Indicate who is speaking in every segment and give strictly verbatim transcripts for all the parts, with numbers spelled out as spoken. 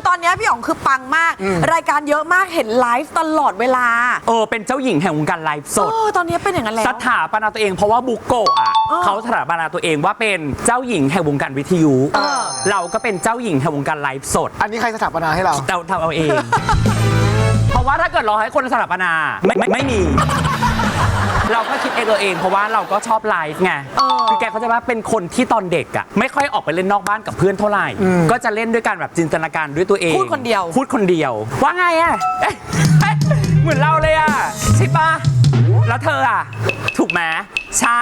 Speaker 1: ตอนนี้พี่อ๋องคือปังมากรายการเยอะมากเห็นไลฟ์ตลอดเวลา
Speaker 2: เออเป็นเจ้าหญิงแห่งวงการไลฟ์สด
Speaker 1: ตอนนี้เป็นอย่างนั้นแล้ว
Speaker 2: สถาปนาตัวเองเพราะว่าบุโกะอ่ะเขาสถาปนาตัวเองว่าเป็นเจ้าหญิงแห่งวงการวิทยุเราก็เป็นเจ้าหญิงแห่งวงการไลฟ์สด
Speaker 3: อันนี้ใครสถาปนาให้เรา
Speaker 2: เราทำเอาเอง เพราะว่าถ้าเกิดเราให้คนสถาปนาไม่ไม่ไม่มีเราก็คิดเองเออเองเพราะว่าเราก็ชอบไลฟ์ไงคือแกเขาจะว่าเป็นคนที่ตอนเด็กอ่ะไม่ค่อยออกไปเล่นนอกบ้านกับเพื่อนเท่าไหร่ก็จะเล่นด้วยกันแบบจินตนาการด้วยตัวเอง
Speaker 1: พูดคนเดียว
Speaker 2: พูดคนเดียวว่าไงอ่ะเหมือนเราเลยอ่ะใช่ปะแล้วเธออ่ะถูกไหมใช่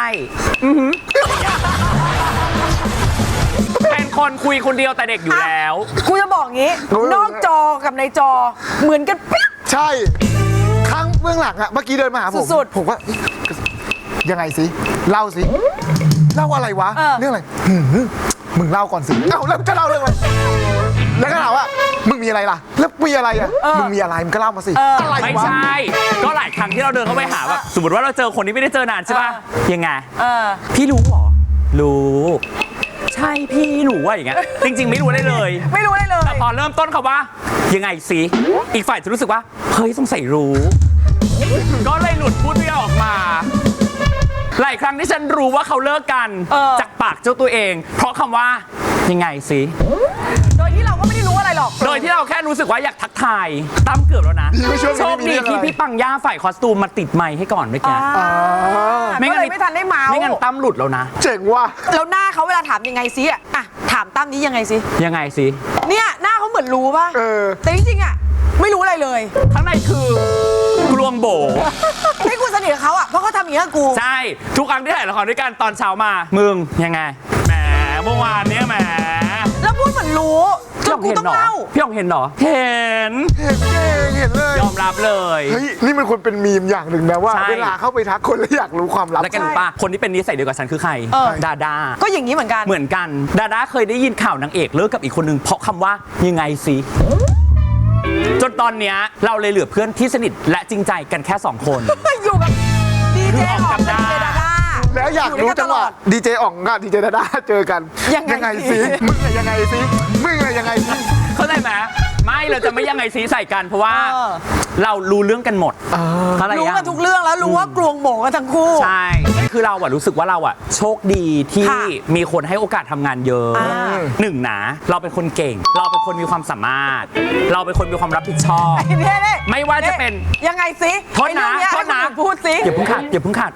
Speaker 2: เป็นคนคุยคนเดียวแต่เด็กอยู่แล้ว
Speaker 1: กูจะบอกงี้นอกจอกับในจอเหมือนกันปิ๊บ
Speaker 3: ใช่ครั้งเบื้องหลังอะเมื่อกี้เดินมาหาผม
Speaker 1: สุด
Speaker 3: ผมว่ายังไงสิเล่าสิเล่าอะไรวะเรื่องอะไรมึงเล่าก่อนสิเอ้าแล้วจะเล่าเรื่องอะไรแล้วก็ถามว่ามึงมีอะไรล่ะแล้วมีอะไรอ่ะมึงมีอะไรมึงก็เล่ามาสิ
Speaker 2: อะไรไม่ใช่ก็หลายครั้งที่เราเดินเข้าไปหาแบบสมมติว่าเราเจอคนที่ไม่ได้เจอนานใช่ป่ะยังไงพี่รู้หรอรู้ใช่พี่หนูว่าอย่างเงี้ยจริงๆไม่รู้ได้เลย
Speaker 1: ไม่รู้ได้เลย
Speaker 2: แต่พอเริ่มต้นคำว่ายังไงสิอีกฝ่ายจะรู้สึกว่าเฮ้ยสงสัยรู้ก็เลยหลุดพูดไม่ออกมาหลายครั้งที่ฉันรู้ว่าเขาเลิกกันจากปากเจ้าตัวเองเพราะคำว่ายังไงสิ
Speaker 1: โดยที่เราก็ไม่ได้รู้อะไรหรอก
Speaker 2: โดยที่เราแค่รู้สึกว่าอยากทักทายตั้มเกือบแล้วนะโชคดีที่พี่ปังย่าฝ่ายคอสตูมมาติดไมค์ให้ก่อนเมื่อกี้
Speaker 1: ไม่งั้นไม่ทันได้เมา
Speaker 2: ไม่งั้นตั้มหลุดแล้วนะ
Speaker 3: เจ๋งว่ะ
Speaker 1: แล้วหน้าเขาเวลาถามยังไงซิอ่ะถามตั้มนี้ยังไงซิ
Speaker 2: ยังไงสิ
Speaker 1: เนี่ยหน้าเขาเหมือนรู้ป่ะแต่จริงๆอ่ะไม่รู้อะไรเลย
Speaker 2: ข้างในคือกลวงโบ
Speaker 1: ให้กูสนิทกับเขาอ่ะเพราะเขาทำอย่างนี้กับกู
Speaker 2: ใช่ทุกครั้งที่ถ่ายละครด้วยกันตอนเช้ามามึงยังไงแหมเมื่อวานเนี้ยแหม
Speaker 1: แล้วพูดเหมือนรู้จนกูต้องเล่า
Speaker 2: พี่อ๋องเห็นเหรอเห็น
Speaker 3: เห็นเองเห็นเลย
Speaker 2: ยอมรับเลย
Speaker 3: เฮ้ยนี่มันควรเป็นมีมอย่างหนึ่งนะว่าเวลาเข้าไปทักคนแล้วอยากรู้ความลับ
Speaker 2: แล้วกันป้าคนที่เป็นนิสัยเดียวกับฉันคือใครดาดา
Speaker 1: ก็อย่างนี้เหมือนกัน
Speaker 2: เหมือนกันดาดาเคยได้ยินข่าวนางเอกเลิกกับอีกคนนึงเพราะคำว่ายังไงสิจนตอนเนี้ยเราเลยเหลือเพื่อนที่สนิทและจริงใจกันแค่สองคน
Speaker 1: อยู่กับดีเจอ๋องกับดีเจดาดา
Speaker 3: แล้วอยากรู้จังหวะดีเจอ๋องกับดีเจดาดาเจอกันยังไงสิมึงยังไงสิมึงยังไงสิ
Speaker 2: เข้าใจไหมไม่เราจะไม่ยังไงซีใส่กันเพราะว่าเรารู้เรื่องกันหมด
Speaker 1: รู้กันทุกเรื่องแล้วรู้ว่ากลวงโบกันทั้งคู่
Speaker 2: ใช่คือเราอะรู้สึกว่าเราอะโชคดีที่มีคนให้โอกาสทำงานเยอะหนึ่งนะเราเป็นคนเก่งเราเป็นคนมีความสามารถเราเป็นคนมีความรับผิดชอบไม่ว่าจะเป็น
Speaker 1: ยังไงสิ
Speaker 2: โทษนะโทษนะ
Speaker 1: พูดสิ
Speaker 2: อย่าเพิ่งขาดอย่าเพิ่งขาด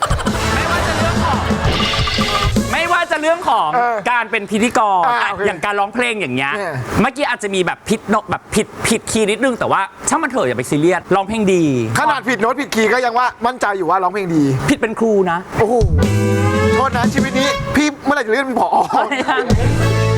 Speaker 2: ไม่ว่าจะเรื่องของการเป็นพิธีกรอย่างการร้องเพลงอย่างเงี้ยเมื่อกี้อาจจะมีแบบผิดโน้ตแบบผิดผิดคีย์นิดนึงแต่ว่าช่างมันเถอะอย่าไปซีเรียสร้องเพลงดี
Speaker 3: ขนาดผิดโน้ตผิดคีย์ก็ยังว่ามั่นใจอยู่ว่าร้องเพลงดี
Speaker 2: ผิดเป็นครูนะ
Speaker 3: โอ้โหโทษนะชีวิตนี้พี่เมื่อไหร่จะเลื่อนเป็นผอ